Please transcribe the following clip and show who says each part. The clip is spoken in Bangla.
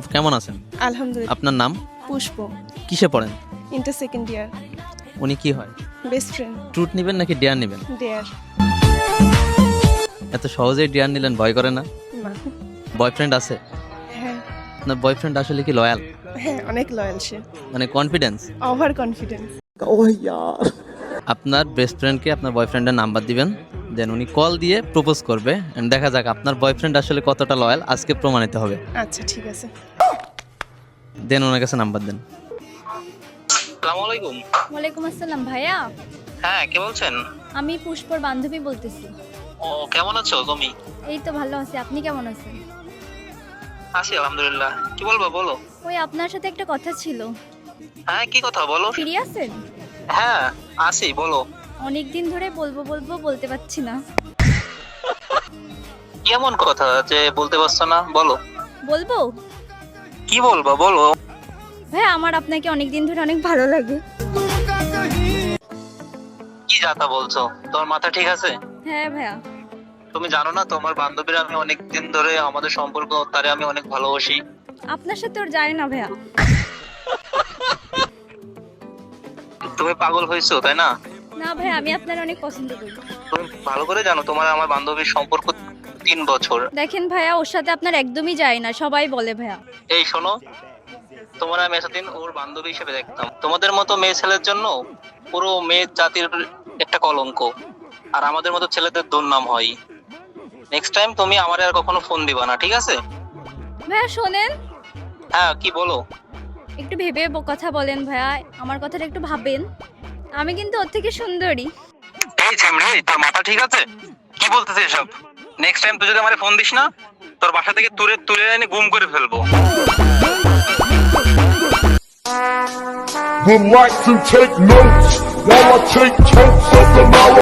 Speaker 1: কেমন আছেন?
Speaker 2: আলহামদুলিল্লাহ।
Speaker 1: আপনার নাম?
Speaker 2: পুষ্প।
Speaker 1: কিসে পড়েন?
Speaker 2: Inter second year.
Speaker 1: উনি কি হয়?
Speaker 2: Best friend.
Speaker 1: ট্রুথ নেবেন নাকি ডেয়ার নেবেন?
Speaker 2: ডেয়ার।
Speaker 1: এত সহজেই ডেয়ার নিলেন, ভয় করে না?
Speaker 2: না।
Speaker 1: বয়ফ্রেন্ড আছে?
Speaker 2: হ্যাঁ
Speaker 1: আপনার বয়ফ্রেন্ড আসলে কি লয়াল?
Speaker 2: হ্যাঁ, অনেক লয়াল সে।
Speaker 1: মানে কনফিডেন্স?
Speaker 2: Over confidence.
Speaker 1: আপনার বেস্ট ফ্রেন্ডকে আপনার বয়ফ্রেন্ডের নাম্বার দিবেন, দেন উনি কল দিয়ে প্রপোজ করবে, and দেখা যাক আপনার বয়ফ্রেন্ড আসলে কতটা লয়াল আজকে প্রমাণিত হবে।
Speaker 2: আচ্ছা ঠিক আছে।
Speaker 1: দেন ওনার কাছে নাম্বার দেন।
Speaker 3: আসসালামু আলাইকুম।
Speaker 4: ওয়ালাইকুম আসসালাম ভাইয়া।
Speaker 3: হ্যাঁ, কে বলছেন?
Speaker 4: আমি পুষ্পর বান্ধবী বলতেছি।
Speaker 3: ও, কেমন আছো তুমি?
Speaker 4: এই তো ভালো আছি, আপনি কেমন আছেন?
Speaker 3: আছি আলহামদুলিল্লাহ। কি বলবো বলো?
Speaker 4: ওই আপনার সাথে একটা কথা ছিল।
Speaker 3: হ্যাঁ, কি কথা বলো?
Speaker 4: ফ্রি আছেন?
Speaker 3: হ্যাঁ, আছি, বলো।
Speaker 4: অনেক দিন ধরে বলবো বলবো বলতে পারছি না।
Speaker 3: কেমন কথা যে বলতে পারছো না? বলো।
Speaker 4: বলবো?
Speaker 3: কি বলবো বলো।
Speaker 4: ভাইয়া আমার আপনাকে অনেক দিন ধরে অনেক ভালো লাগে।
Speaker 3: কি যাতা বলছো? তোমার মাথা ঠিক আছে?
Speaker 4: হ্যাঁ ভাইয়া।
Speaker 3: তুমি জানো না তোমার বান্ধবীর আমি অনেক দিন ধরে আমাদের সম্পর্ক, তারে আমি অনেক ভালোবাসি।
Speaker 4: আপনার সাথে ওর যায় না ভাইয়া।
Speaker 3: তুমি পাগল হয়েছো তাই না?
Speaker 4: না ভাইয়া, আমি আপনার অনেক পছন্দ করি।
Speaker 3: তুমি ভালো করে জানো তোমার আমার বান্ধবীর সম্পর্ক 3 বছর।
Speaker 4: দেখেন ভাইয়া, ওর সাথে আপনার একদমই যায় না, সবাই বলে ভাইয়া।
Speaker 3: এই শোনো, তোমার আমি এতদিন ওর বান্ধবী হিসেবে দেখতাম। তোমাদের মতো মেয়ে ছেলের জন্য পুরো মেয়ে জাতির একটা কলঙ্ক, আর আমাদের মতো ছেলেদের দুর্নাম হয়। নেক্সট টাইম তুমি আমারে আর কখনো ফোন দিবা না, ঠিক আছে?
Speaker 4: ভাইয়া শোনেন,
Speaker 3: হ্যাঁ, কি বলো?
Speaker 4: একটু ভেবে কথা বলেন ভাইয়া, আমার কথাটা একটু ভাবেন। আমি কিন্তু ওর থেকে সুন্দরী।
Speaker 3: এই ছেমড়ে, তোর মাথা ঠিক আছে? কি বলতেছিস এসব? নেক্সট টাইম তুই যদি আমারে ফোন দিস না, তোর বাসা থেকে তুলে তুলে এনে গুম করে ফেলবো।
Speaker 5: Would like to take notes while I take totes of the